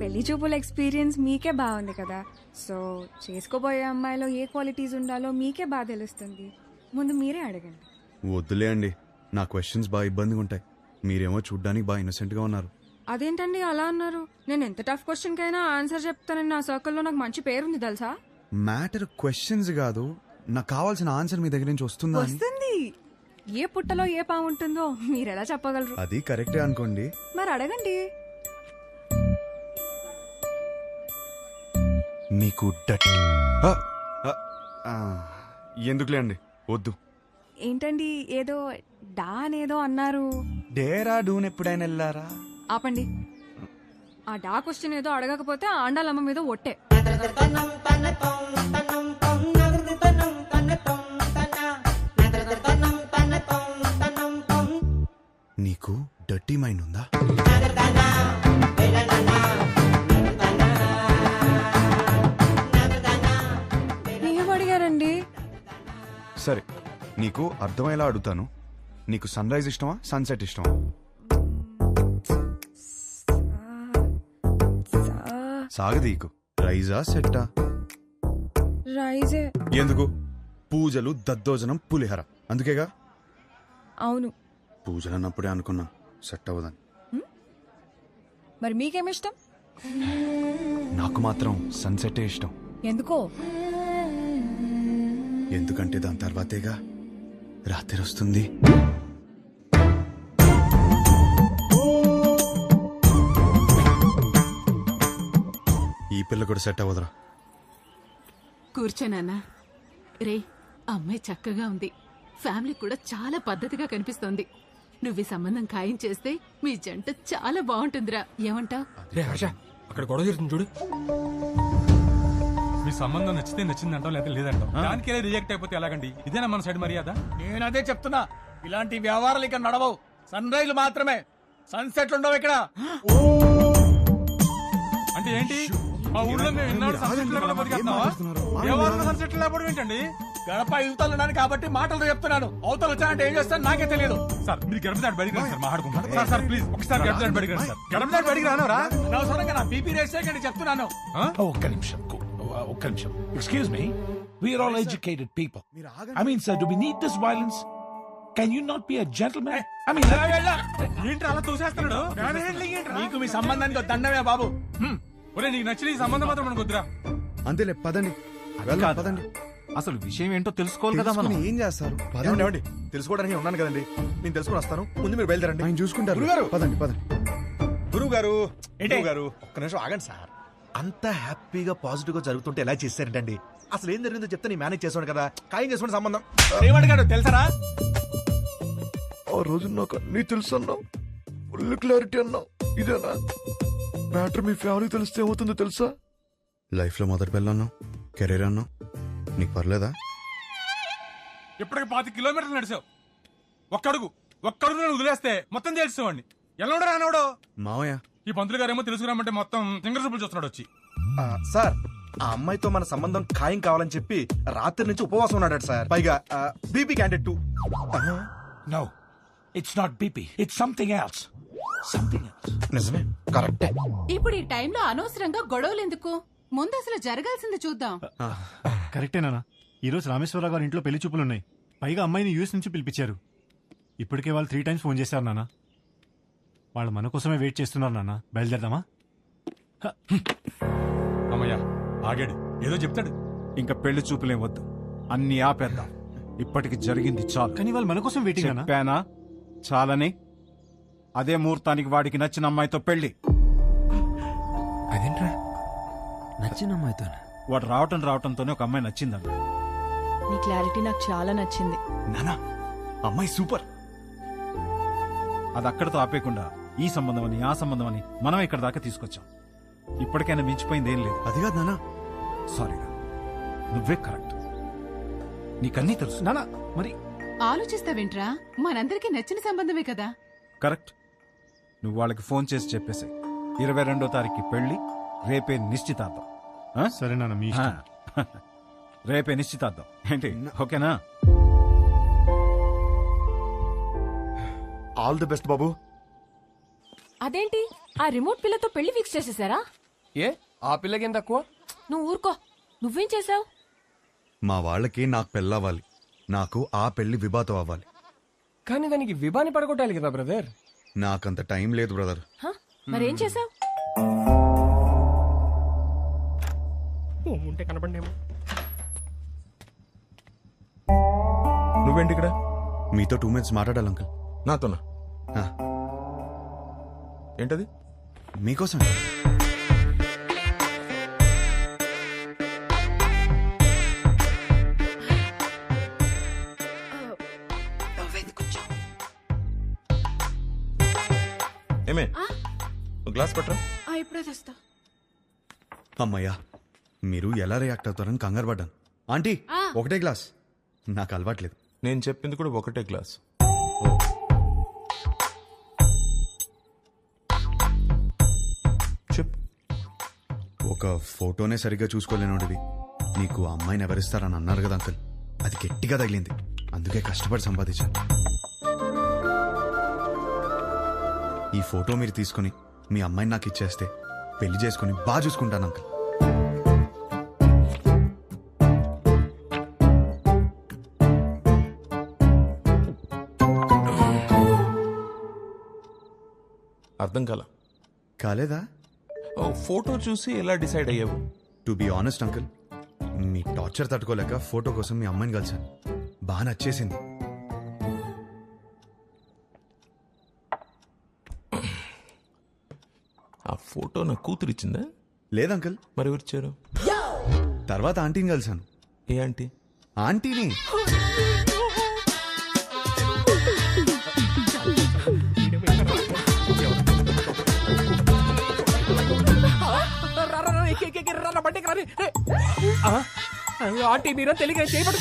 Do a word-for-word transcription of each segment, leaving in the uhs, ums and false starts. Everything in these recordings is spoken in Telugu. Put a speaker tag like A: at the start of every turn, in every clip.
A: పెళ్లి చూపుల ఎక్స్పీరియన్స్ మీకే బాగుంది కదా, సో చేసుకోబోయే అమ్మాయిలో ఏ క్వాలిటీస్ ఉండాలో మీకే బాగా తెలుస్తుంది. ముందు మీరే అడగండి.
B: వద్దులే అండి, నా క్వశ్చన్స్ బాగా ఇబ్బందిగా ఉంటాయి. మీరేమో చూడ్డానికి బాగా ఇన్నోసెంట్ గా ఉన్నారు.
A: అదేంటండి అలా అన్నారు? నేను ఎంత టఫ్ క్వశ్చన్ కైనా ఆన్సర్ చెప్తానని నా సర్కిల్లో నాకు మంచి పేరుంది తెలుసా.
B: మ్యాటర్ క్వశ్చన్స్ కాదు, నాకు కావాల్సిన ఆన్సర్ మీ దగ్గర నుంచి వస్తుందా అని.
A: వస్తుంది. ఏ పుట్టలో ఏ పాము ఉంటుందో మీరు ఎలా చెప్పగలరు?
B: అది కరెక్టే అనుకోండి.
A: మరి అడగండి.
B: మీకు డట్ ఎందుకులే అండి, వద్దు.
A: ఏంటండి ఏదో డా అనేదో అన్నారు?
B: డేరా డూన్ ఎప్పుడైనా వెళ్ళారా?
A: ఆపండి. ఆ డా క్వశ్చన్ ఏదో అడగకపోతే ఆండాలమ్మ మీద ఒట్టే.
B: నీకు డర్టీ మైండ్ ఉందా?
A: ఏం అడిగారండి?
B: సరే, నీకు అర్థమయ్యేలా అడుగుతాను. నీకు సన్ రైజ్ ఇష్టమా, సన్సెట్ ఇష్టమా? సాగదీకు. రైజా సెట్టా?
A: రైజే.
B: ఎందుకు? పూజలు, దద్దోజనం, పులిహర, అందుకేగా.
A: అవును.
B: పూజలు అన్నప్పుడే అనుకున్నా సెట్ అవ్వదని.
A: మరి మీకేమిష్టం?
B: నాకు మాత్రం సన్సెటే ఇష్టం.
A: ఎందుకో?
B: ఎందుకంటే దాని తర్వాతేగా రాత్రి వస్తుంది. ఈ పిల్ల కూడా సెట్ అవ్వదురా.
C: కూర్చోనన్నా. రే, అమ్మాయి చక్కగా ఉంది, ఫ్యామిలీ కూడా చాలా పద్ధతిగా కనిపిస్తోంది. నువ్వు ఈ సంబంధం ఖాయం చేస్తే మీ జంట చాలా బాగుంటుందిరా. ఏమంటావ్?
D: రే హర్ష, అక్కడ గొడవ జరుగుతుంది చూడు. మీ సంబంధం నచ్చితే నచ్చిందంటాం, లేదా లేదంటాం. దానికే రిజెక్ట్ అయిపోతే ఎలాగండి? ఇదేనా మన సైడ్ మర్యాద?
E: నేను అదే చెప్తున్నా, ఇలాంటి వ్యవహారాలు ఇక్కడ నడవవు. సన్ రైజ్ మాత్రమే, సన్సెట్లు ఉండవు ఇక్కడ.
D: అంటే ఏంటి? మా ఊళ్ళో మేము ఎన్నాడు సన్సెట్ లేకుండా బతికేస్తున్నావా? ఎవరు సన్సెట్ లేకపోవడం ఏంటండి?
E: గడప యువతలు ఉన్నాను కాబట్టి మాటలతో చెప్తున్నాను. అవతలు వచ్చానంటే ఏం చేస్తాను నాకే తెలియదు.
D: సార్ మీరు గడప దాటి బయటికి రండి సార్, మాట్లాడుకుంటాం. సార్ సార్ ప్లీజ్ ఒకసారి గడప దాటి బయటికి రండి సార్. గడప దాటి బయటికి రానవరా?
E: అనవసరంగా నా బీపీ రేస్ చేయకండి చెప్తున్నాను.
F: ఒక్క నిమిషం, ఒక్క నిమిషం. Excuse me, we are all educated people. I mean, sir, do we need this violence? Can you not be a gentleman? I mean,
D: ఏంటి అలా తోసేస్తున్నాడు?
E: నీకు మీ సంబంధానికి దండమే బాబు.
D: ఒరే, నీకు నచ్చిన ఈ సంబంధం మాత్రం మనకు వద్దురా.
B: అంతేలే, పదండి వెళ్దాం, పదండి.
G: అసలు విషయం ఏంటో తెలుసుకోవాలి కదా మనం.
B: తెలుసుకుని ఏం చేస్తారు?
H: ఏమండి, ఏమండి, తెలుసుకోవడానికి ఉన్నాను కదండి, నేను తెలుసుకుని వస్తాను. ముందు మీరు బయలుదేరండి.
B: ఆయన చూసుకుంటారు.
H: గురుగారు,
B: పదండి పదండి.
H: గురువు గారు,
E: ఏంటి?
H: గురువు గారు, ఒక్క నిమిషం ఆగండి సార్. అంత హ్యాపీగా పాజిటివ్ గా జరుగుతుంటే ఎలా చేశారంటండి? అసలు ఏం జరిగిందో చెప్తే నేను మేనేజ్ చేసాను కదా. ఖాయం చేసుకునే సంబంధం.
E: ఏమడిగాడు తెలుసరా?
H: ఆ రోజు నాకు అన్ని తెలుసు అన్నావు, ఫుల్ క్లారిటీ అన్నావు. ఇదేనా మ్యాటర్? మీ ఫ్యామిలీ తెలిస్తే ఏమవుతుందో తెలుసా?
B: లైఫ్ లో మొదటి పిల్ల అన్నావు, కెరీర్ అన్నావు, నీకు పర్లేదా?
D: ఇప్పటికి పాతి కిలోమీటర్లు నడిచావు. ఒక్కడుగు ఒక్కడుగు నేను వదిలేస్తే మొత్తం తెలుసుకోండి. ఎలా ఉండరా అన్నాడు
B: మావయ్య.
D: ఈ పంతులు గారేమో తెలుసుకురామంటే మొత్తం సింగర్ చూపులు చూస్తున్నాడు వచ్చి.
H: ఆ, సార్, ఆ అమ్మాయితో మన సంబంధం ఖాయం కావాలని చెప్పి రాత్రి నుంచి ఉపవాసం ఉన్నాడు సార్. పైగా BP candidate too.
F: no, it's not B P. It's something else. Something else.
H: నిజమే, కరెక్టే.
C: ఇప్పుడు ఈ టైంలో అనవసరంగా గొడవలు ఎందుకు? ముందు అసలు జరగాల్సింది చూద్దాం.
G: కరెక్టేనా? ఈ రోజు రామేశ్వరరావు గారి ఇంట్లో పెళ్లి చూపులు ఉన్నాయి. పైగా అమ్మాయిని యూఎస్ నుంచి పిలిపించారు. ఇప్పటికే వాళ్ళు త్రీ టైమ్స్ ఫోన్ చేశారు నాన్న. వాళ్ళు మన కోసమే వెయిట్ చేస్తున్నారు నాన్న. బయలుదేరదామా?
D: అమ్మయ్యా, ఆగాడు. ఏదో చెప్తాడు.
I: ఇంకా పెళ్లి చూపులేం వద్దు, అన్ని ఆపేద్దాం. ఇప్పటికి జరిగింది చాలు.
G: కానీ వాళ్ళు మన కోసం వెయిటింగ్ అన్నా.
I: చెప్పానా చాలని? అదే ముహూర్తానికి వాడికి నచ్చిన అమ్మాయితో పెళ్లి.
G: అదేంట్రా నచ్చిన అమ్మాయితో?
I: వాడు రావటం రావటంతోనే ఒక అమ్మాయి నచ్చిందన్న.
A: నీ క్లారిటీ నాకు చాలా నచ్చింది.
B: నానా, అమ్మాయి సూపర్.
I: అది అక్కడతో ఆపేయకుండా ఈ సంబంధం అని ఆ సంబంధం అని మనం ఇక్కడ దాకా తీసుకొచ్చాం. ఇప్పటికైనా మించిపోయింది ఏం లేదు.
B: అది కాదు నానా.
I: సారీరా, నువ్వే కరెక్ట్. నీకన్నీ తెలుసు
G: నానా. మరి
C: ఆలోచిస్తావేంట్రా? మనందరికీ నచ్చిన సంబంధమే కదా.
I: కరెక్ట్. నువ్వు వాళ్ళకి ఫోన్ చేసి చెప్పేసి ఇరవై రెండో తారీఖు పెళ్లి, రేపే నిశ్చితార్థం. ఆ?
G: సరే నాన్న, మీ ఇష్టం.
I: రేపే నిశ్చితార్థం ఏంటి? ఓకేనా?
H: ఆల్ ది బెస్ట్ బాబు.
A: అదేంటి ఆ రిమోట్ పిల్లతో పెళ్లి ఫిక్స్ చేసేసారా?
E: ఏ ఆ పిల్లకేం తక్కువ?
J: నువ్వు ఊరుకో. నువ్వేం చేసావు?
B: మా వాళ్ళకి నాకు పెళ్ళవ్వాలి, నాకు ఆ పెళ్లి విభాతం అవ్వాలి.
E: కానీ దానికి విభాని పడగొట్టాలి కదా బ్రదర్.
B: నాకంత టైం లేదు బ్రదర్.
J: మరేం చేసావు?
E: ఉంటే కనపడేమో.
H: నువ్వేంటి ఇక్కడ?
B: మీతో టూ మినిట్స్ మాట్లాడాలి అంకుల్.
H: నాతోనా?
B: ఆ,
H: ఏంటది?
B: మీకోసం.
H: ఏమే గ్లాస్ పట్టరా.
J: ఇప్పుడే తెస్తా.
B: అమ్మయ్యా, మీరు ఎలా రియాక్ట్ అవుతారని కంగారు పడ్డాను. ఆంటీ ఒకటే గ్లాస్, నాకు అలవాట్లేదు.
H: నేను చెప్పింది కూడా ఒకటే గ్లాస్. చెప్పు.
B: ఒక ఫోటోనే సరిగ్గా చూసుకోలేనోడివి నీకు అమ్మాయిని ఎవరిస్తారని అన్నారు కదా అంకుల్, అది గట్టిగా తగిలింది, అందుకే కష్టపడి సంపాదించాను. ఈ ఫోటో మీరు తీసుకుని మీ అమ్మాయిని నాకు ఇచ్చేస్తే పెళ్లి చేసుకుని బాగా చూసుకుంటాను అంకుల్.
H: అర్థం కాల.
B: కాలేదా?
H: ఫోటో చూసి ఎలా డిసైడ్ అయ్యావు?
B: టు బి ఆనెస్ట్ అంకుల్, మీ టార్చర్ తట్టుకోలేక ఫోటో కోసం మీ అమ్మాయిని కలిసాను. బాగా నచ్చేసింది.
H: ఆ ఫోటో నా కూతురు ఇచ్చిందా?
B: లేదు అంకుల్.
H: మరి ఎవరిచ్చారు?
B: తర్వాత ఆంటీని కలిసాను.
H: ఏ ఆంటీ?
B: ఆంటీని.
E: ఆంటీ మీరా తెలియక చేయబడు.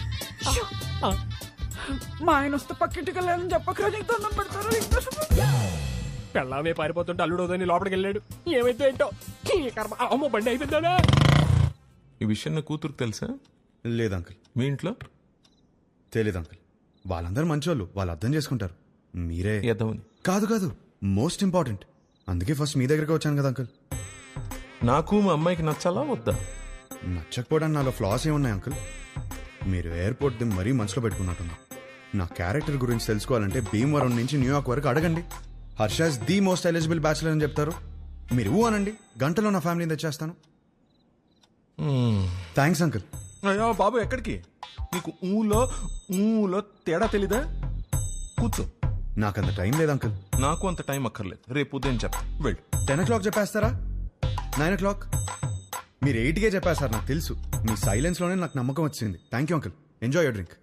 E: మా ఆయన వస్తే పక్కింటికి వెళ్ళాలని చెప్పకరా, నీకు దండం పెడతారు. పెళ్ళామే పారిపోతుంటే అల్లుడోదని లోపలికి వెళ్ళాడు. ఏమైతే ఏంటో ఈ కర్మ. అమ్మో బండి అయిపోయిందా?
H: ఈ విషయం నా కూతురుకు తెలుసా?
B: లేదు అంకుల్.
H: మీ ఇంట్లో?
B: తెలీదు అంకుల్. వాళ్ళందరూ మంచోళ్ళు, వాళ్ళు అర్థం చేసుకుంటారు. మీరే
H: ఎదవని.
B: కాదు కాదు, మోస్ట్ ఇంపార్టెంట్. అందుకే ఫస్ట్ మీ దగ్గరికి వచ్చాను కదా అంకుల్.
H: నాకు మా అమ్మాయికి నచ్చాలా వద్దా?
B: నచ్చకపోవడానికి నాలో ఫ్లాస్ ఏమున్నాయి అంకుల్? మీరు ఎయిర్పోర్ట్ ది మరీ మనసులో పెట్టుకున్నట్టున్నా. నా క్యారెక్టర్ గురించి తెలుసుకోవాలంటే భీమవరం నుంచి న్యూయార్క్ వరకు అడగండి. Harsha's the most eligible bachelor అని చెప్తారు. మీరు ఊ అనండి, గంటలో నా ఫ్యామిలీని తెచ్చేస్తాను. Thanks uncle.
H: అయ్యో బాబు, ఎక్కడికి? నీకు ఊలో ఊలో తేడా తెలీదా? కూర్చో.
B: నాకంత టైం లేదు అంకుల్.
H: నాకు అంత టైం అక్కర్లేదు, రేపు ఉదయం చెప్తా. వెళ్ళు.
B: టెన్ ఓ క్లాక్ చెప్పేస్తారా? Nine o'clock? మీరు ఎయిట్కే చెప్పేస్తారు, నాకు తెలుసు. మీ సైలెన్స్ లోనే నాకు నమ్మకం వచ్చింది. Thank you uncle. Enjoy your drink.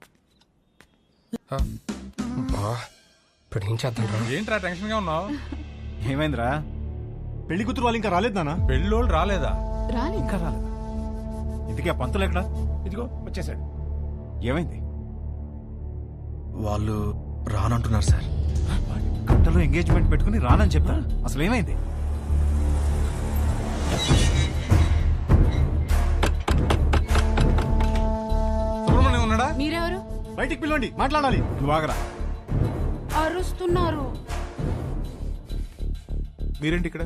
E: ఇప్పుడు ఏం చేద్దాం?
D: ఏంట్రా టెన్షన్ గా ఉన్నావు?
G: ఏమైందిరా? పెళ్లి కూతురు వాళ్ళు ఇంకా రాలేదు నాన్న.
D: పెళ్ళోళ్ళు రాలేదా?
C: రాని
G: ఇంకా రాలేదు. ఇంతకీ ఆ పంతులు ఎక్కడా?
E: ఇదిగో వచ్చేసాడు.
G: ఏమైంది?
H: వాళ్ళు రానంటున్నారు సార్.
G: గంటలో ఎంగేజ్మెంట్ పెట్టుకుని రానని చెప్తా. అసలు ఏమైంది?
D: సుబ్రహ్మణ్యం ఉన్నాడా?
J: మీరెవరు?
G: బయటికి పిలవండి, మాట్లాడాలి. నువ్వు ఆగరా.
J: అరుస్తున్నారు.
H: మీరేంటి ఇక్కడ?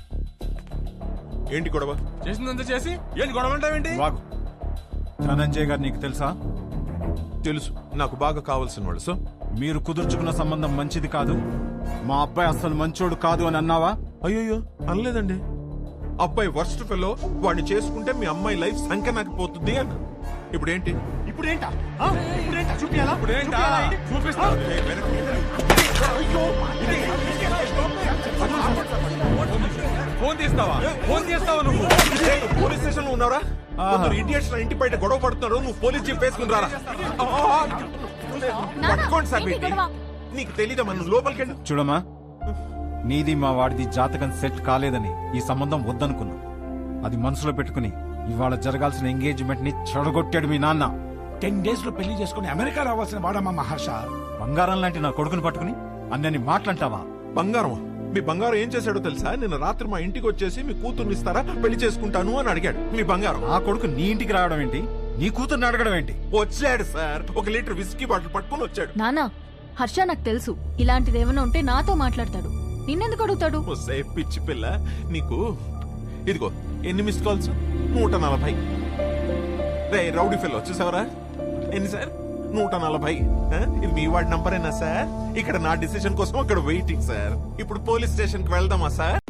H: ఏంటి గొడవ?
D: చేసిందంతా చేసి ఏంటి గొడవ అంటావేంటి?
G: నువ్వు ఆగు. ధనంజయ్ గారు నీకు తెలుసా?
H: తెలుసు, నాకు బాగా కావాల్సిన వాళ్ళు. సో
G: మీరు కుదుర్చుకున్న సంబంధం మంచిది కాదు, మా అబ్బాయి అసలు మంచోడు కాదు అని అన్నావా?
H: అయ్యో అనలేదండి. అబ్బాయి వర్స్ట్ ఫెలో, వాడిని చేసుకుంటే మీ అమ్మాయి లైఫ్ సంకనాకపోతుంది అన్న. ఇప్పుడు ఏంటి?
G: ఇప్పుడు ఏంటా? ఆ? ఇప్పుడేంటా? చూపియాలా?
D: ఇప్పుడేంటా? చూపిస్తా. ఫోన్ తీస్తావా? ఫోన్ తీస్తావా నువ్వు?
H: పోలీస్ స్టేషన్ లో ఉన్నారా? ఇండియన్స్ ఇంటి బయట గొడవ పడుతున్నారు, నువ్వు పోలీస్ జీప్ వేసుకుని రారా? పట్టుకోండి సార్. నీకు తెలీదా? మనం లోపలికి వెళ్ళి
G: చూడమ్మా, నీది మా వాడిది జాతకం సెట్ కాలేదని ఈ సంబంధం వద్దనుకున్నా. అది మనసులో పెట్టుకుని ఇవాళ జరగాల్సిన ఎంగేజ్మెంట్ ని చెడగొట్టాడు మీ నాన్న.
F: టెన్ డేస్ లో పెళ్లి చేసుకుని అమెరికా రావాల్సిన వాడమ్మా మహర్ష.
G: బంగారం లాంటి నా కొడుకుని పట్టుకుని అన్నని మాట్లాంటావా?
H: బంగారం? మీ బంగారం ఏం చేశాడో తెలుసా? నిన్న రాత్రి మా ఇంటికి వచ్చేసి మీ కూతుర్ని ఇస్తారా, పెళ్లి చేసుకుంటాను అని అడిగాడు. మీ బంగారం.
G: ఆ కొడుకు నీ ఇంటికి రావడం ఏంటి? నీ కూతుర్ని అడగడం ఏంటి?
H: వచ్చాడు సార్, ఒక లీటర్ విస్కీ బాటిల్ పట్టుకుని వచ్చాడు.
J: నానా, హర్ష నాకు తెలుసు, ఇలాంటిది ఏమైనా ఉంటే నాతో మాట్లాడతాడు. నిన్నెందుకు అడుగుతాడు?
H: ఒసే పిచ్చి పిల్ల, నీకు
K: ఇదిగో ఎన్ని మిస్ కాల్స్? నూట నలభై. రే రౌడీ ఫెలో చూసావరా? ఎన్ని సార్? నూట నలభై. ఆ? ఇది మీ వాడి నంబరేనా సార్? ఇక్కడ నా డిసిషన్ కోసం అక్కడ వెయిటింగ్ సార్. ఇప్పుడు పోలీస్ స్టేషన్ కి వెళ్దామా సార్?